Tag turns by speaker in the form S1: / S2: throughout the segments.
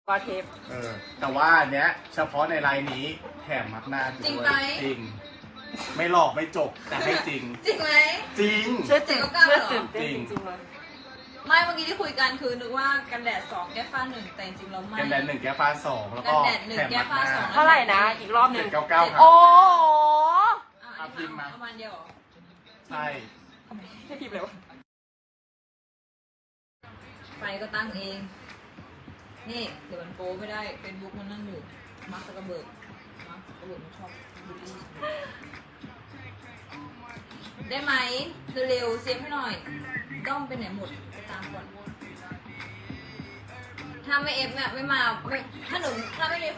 S1: ก็เทป
S2: แต่ว่าอันเนี้ยเฉพาะในไลน์นี้แถมมักหน้าด้วย
S3: จริงไหม
S2: จริง ไม่หลอกไม่จบแต่ให้จริง
S3: จริงไหม
S2: จริง
S1: เชื่อตื่นเต้นจริงๆเลย
S3: ไม่เมื่อกี้ที่คุยกันคือนึกว่ากันแดด2แก้ฟ้า1แต่จริงๆแล้วไม่
S2: กันแดด1แก้ฟ้า2แล้วก็
S3: กันแดด1
S2: แถม
S3: แก้
S2: มัก
S3: ฟ้า
S2: หน้า
S3: 2
S1: เท่าไหร่นะอีกรอบหนึ่ง
S2: 799ครับ
S1: โอ้โห
S3: อัน
S2: พิ
S3: นี้
S2: มพ์มา
S3: ประมาณเดียวเหรอ
S2: ใช่
S1: ไม่พิมพ์เลยวะ
S3: ไฟก็ตั้งเอง นี่เดี๋ยวมันโป๊ไม่ได้เฟซบุ๊กมันนั่งอยู่มาร์คซักเกอร์เบิร์กมันชอบบูลลี่ได้ไหมเร็วๆเซฟให้หน่อยด้อมไปไหนหมดไปตามก่อนถ้าไม่เอฟเนี่ยไม่มาไม่ถ้าไม่มีคน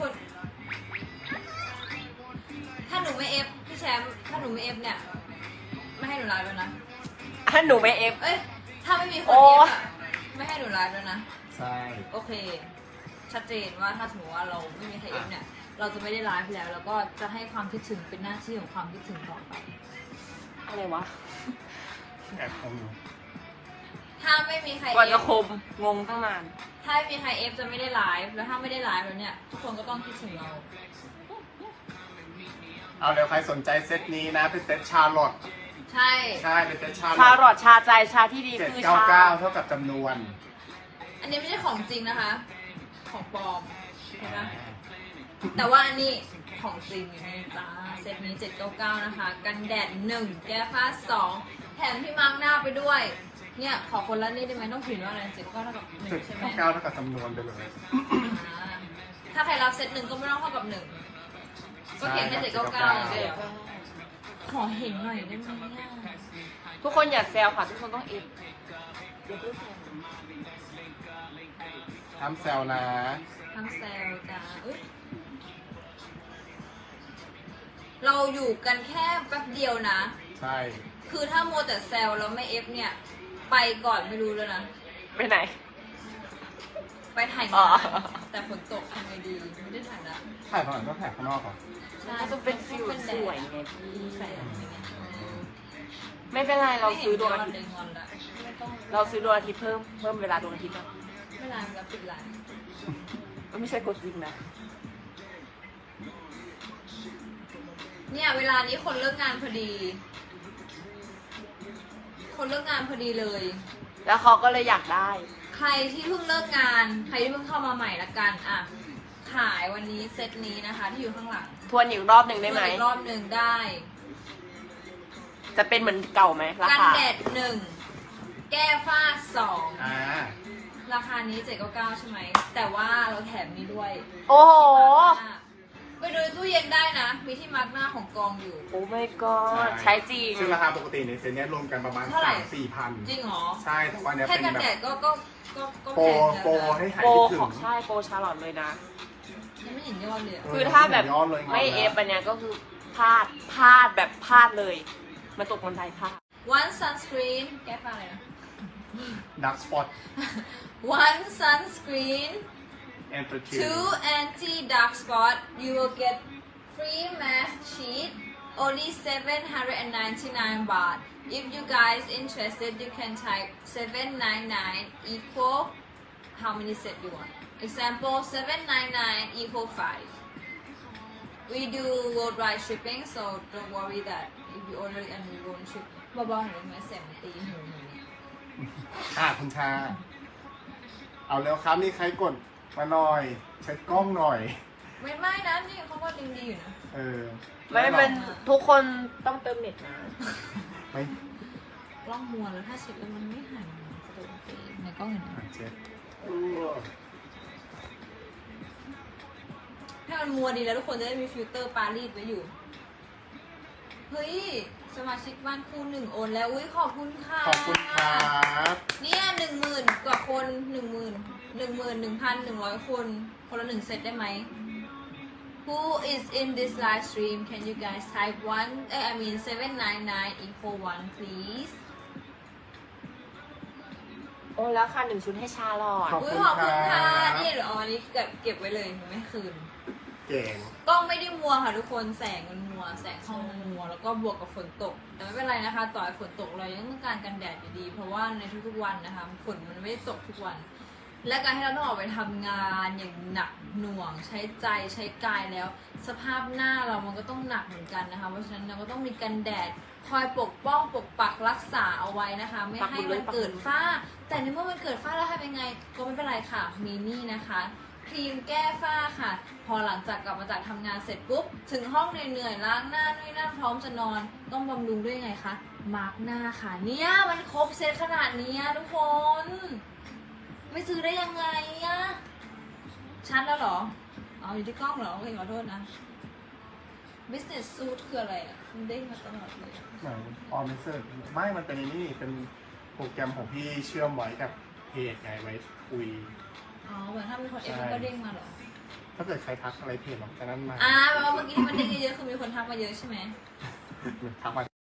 S3: ถ้าหนูไม่เอฟพี่แชมป์ถ้าหนูไม่เอฟเนี่ยไม่ให้หนูไลฟ์แล้วนะ
S1: ถ้าหนูไม่เอฟ
S3: เอ้ยถ้าไม่มีคน
S1: โอ้
S3: เอฟอะไม่ให้หนูไลฟ์แล้วนะ
S2: ใช่
S3: โอเค ชัดเจนว่าถ้าสมมติว่าเราไม่มีใครเอฟเนี่ย เราจะไม่ได้ไลฟ์แล้ว แล้วก็จะให้ความคิดถึงเป็นหน้าที่ของความคิดถึงต่อไป
S1: อะไรวะ
S2: แอบของหนู
S3: ถ้าไม่มีใคร
S1: กว่า
S3: เอ
S1: จะ
S3: ฟ
S1: คมงงตั้งนาน
S3: ถ้าไม่มีใครเอฟจะไม่ได้ไลฟ์แล้วถ้าไม่ได้ไลฟ์แล้วเนี่ย ทุกคนก็ต้องคิดถึงเรา
S2: เอาเดี๋ยวใครสนใจเซตนี้นะเป็นเซตชาร์ลอต
S3: ใช่
S2: ใช่เป็นเซตชาร์
S1: ชา
S2: ล
S1: หล
S2: อ
S1: อ
S2: ต
S1: ดชาใจชาที่ดีคือชา
S2: 799เท่ากับจำนวน
S3: อันนี้ไม่ใช่ของจริงนะคะ ของปลอมเห็นไหมแต่ว่าอันนี้ของจริงอยู่ในจ้าเซตนี้799นะคะ กันแดด1แก้ฟ้า2แถมที่มาร์กหน้าไปด้วย เนี่ยขอคนละนี่ได้ไหมต้องเขียนว่าอะไร7ก็เท่ากับ1ใช่ไหม
S2: 799เท่ากับจำนวนไปเลย
S3: ถ้าใครรับเซต1ก็ไม่ต้องเท่ากับ1ก็เขียนแค่799อย่างเดียวขอเห็นหน่อยได้ไหมเนี่ย
S1: ทุกคนอย่าแซวค่ะทุกคนต้องเอฟอย่าเพิ่งแซว
S2: ทำแซวนะ
S3: ทั้งแซลจ้าเอ้ยเราอยู่กันแค่แป๊บเดียวนะ
S2: ใช่
S3: คือถ้าโมวแต่แซลแล้วไม่เอฟเนี่ย ไปก่อนไม่รู้แล้วนะ
S1: ไปไหน
S3: ไปถ่าย
S1: อ๋
S3: งา
S1: อ
S3: นแต่ฝนตกทำไงดีไม่ได้ถ่ายละ
S2: ถ่ายข้างหลังก็ถ่ายข้างนอกก่อน
S3: ใช่
S1: มันจะเป็นฟิลสวยไงพี่
S3: ใส่อะไรเงี้ย
S1: ไม่เป็นไรเราซื้อดวงอา
S3: ไม่
S1: ทิ
S3: เห็
S1: ต
S3: น
S1: ย์
S3: งอนละไม่ต้อง
S1: เราซื้อดวงอาทิตย์เพิ่มเวลาดวงอาทิตย์นะ
S3: ไม่ไลน์แล้วปิดไลน์
S1: ไม่ใช่กดจริงนะ
S3: เนี่ยเวลานี้คนเลิกงานพอดี คนเลิกงานพอดีเลย
S1: แล้วเขาก็เลยอยากได้
S3: ใครที่เพิ่งเลิกงาน ใครที่เพิ่งเข้ามาใหม่ละกันอ่ะขายวันนี้เซตนี้นะคะ ที่อยู่ข้างหลัง
S1: ทวนอีกรอบหนึ่งได้ไหม
S3: อีกรอบหนึ่งได้
S1: จะเป็นเหมือนเก่าไหมรา
S3: กัน
S1: คา
S3: แดด1แก้ฝ้า2
S2: อ่า
S3: ราคานี้799ใช่ไหมแต่ว่าเราแถมนี้ด้วย
S1: โอ้โห
S3: ไปดูในตู้เย็นได้นะ มีที่มาร์กหน้าของกองอยู่
S1: โอ้ไม่ก็ใช้จริง
S2: ซึ่งราคาปกติในเซ็ตเนี้ยรวมกันประมาณ
S3: เท่าไหร่
S2: 3-4 พัน
S3: จริงเหรอ
S2: ใช่แต่ว่าเนี้ย
S3: แค่
S2: เป็น
S3: กัน
S2: แบ
S3: แดด
S2: บ
S3: ก็
S2: โปร
S3: แพงแล้ว
S2: โปร
S3: นะ
S2: ให้หาย
S1: โปร
S2: คิดถึ
S1: ของ งใช่โปรชาร์ลอตเลยนะ
S3: ยังไม่เห็นยอดเลยอะ
S1: คือถ้าแบบ
S2: ยอดเลย
S1: ไม่เอฟอันเนี้ยก็คือพลาดแบบพลาดเลย มาตกคนไทยพลาด
S3: One sunscreen แก้ฝ้าอะไรนะ
S2: ดักสปอต
S3: One sunscreen
S2: แอนตร
S3: Two anti dark spot you will get free mask sheet only 799 baht if you guys interested you can type 799 equal how many set you want example 799 equal 5 we do worldwide shipping so don't worry that if you order it and we won't ship เบาๆหน่อยไหมเสียงมันตีหูหนูเนี่ย
S2: คุณชา เอาแล้วครับนี่ใครกดมาหน่อยเช็ดกล้องหน่อย
S3: ไม่นะนี่เขาก็ดีอยู่นะ
S2: เออ
S1: ไม่เป็นทุกคนต้องเติมเน็ตนะ
S2: ไม่
S3: กล้องมัวแล้วถ้าเช็ดแล้วมันไม่หายจะโดนตีในกล้องเห็นไหม
S2: เช็ด
S3: ให้มันมัวดีแล้วทุกคนจะได้มีฟิลเตอร์ปารีสไว้อยู่ เฮ้ย สมาชิกบ้านคู่1โอนแล้ว อุ้ยขอบคุณค่ะ
S2: ขอบคุณครับ
S3: เนี่ย10,000 กว่าคน11,100 คน คนละ1 เซตได้ไหม Who is in this live stream can you guys type 799 equal 1 please
S1: โอ้แล้วค่ะ1 ชุดให้ชาลอต
S2: ขอบ
S3: อุ้ย
S2: คุณ
S3: ขอบคุณค่ะ
S2: ครับ
S3: นี่เดี๋ยวเอาอันนี้เก็บไว้เลยหนูไม่คืน
S2: เก่ง
S3: กล้องไม่ได้มัวค่ะทุกคนแสงมันมัวแสงห้องมันมัวแล้วก็บวกกับฝนตก แต่ไม่เป็นไรนะคะ ต่อให้ฝนตกเรายังต้องการกันแดดอยู่ดี เพราะว่าในทุกๆวันนะคะฝนมันไม่ได้ตกทุกวันและการที่เราต้องออกไปทำงานอย่างหนักหน่วงใช้ใจใช้กายแล้ว สภาพหน้าเรามันก็ต้องหนักเหมือนกันนะคะเพราะฉะนั้นเราก็ต้องมีกันแดดคอยปกป้องปกปักรักษาเอาไว้นะคะ ไม่ให้มันเกิดฝ้า แต่ในเมื่อมันเกิดฝ้าแล้วทำยังไงก็ไม่เป็นไรค่ะมีนี่นะคะครีมแก้ฝ้าค่ะ พอหลังจากกลับมาจากทำงานเสร็จปุ๊บถึงห้องเหนื่อยๆล้างหน้าด้วยนั่นพร้อมจะนอนต้องบำรุงด้วยไงคะมาร์กหน้าค่ะเนี่ยมันครบเซตขนาดนี้ทุกคน ไม่ซื้อได้ยังไงอะชัดแล้วเหรอเอาอยู่ที่กล้องเหรอโอเคขอโทษนะ business suit คืออะไรอะมันเด้งมาตลอดเลย
S2: เหมือนออมเซอร์ไม่มันเป็นนี่เป็นโปรแกรมของพี่เชื่อมไว้กับเพจไงไว้คุย
S3: อ๋อเหมือนถ้ามีคนเอฟมันก็เด้งมาเหรอ
S2: ถ้าเกิดใครทักอะไรเพจหรอกจากนั้นมา
S3: แปลว่าเมื่อกี้ที่มันเด้งเยอะๆคือมีคนทักมาเยอะใช่ไหม
S2: ทักมา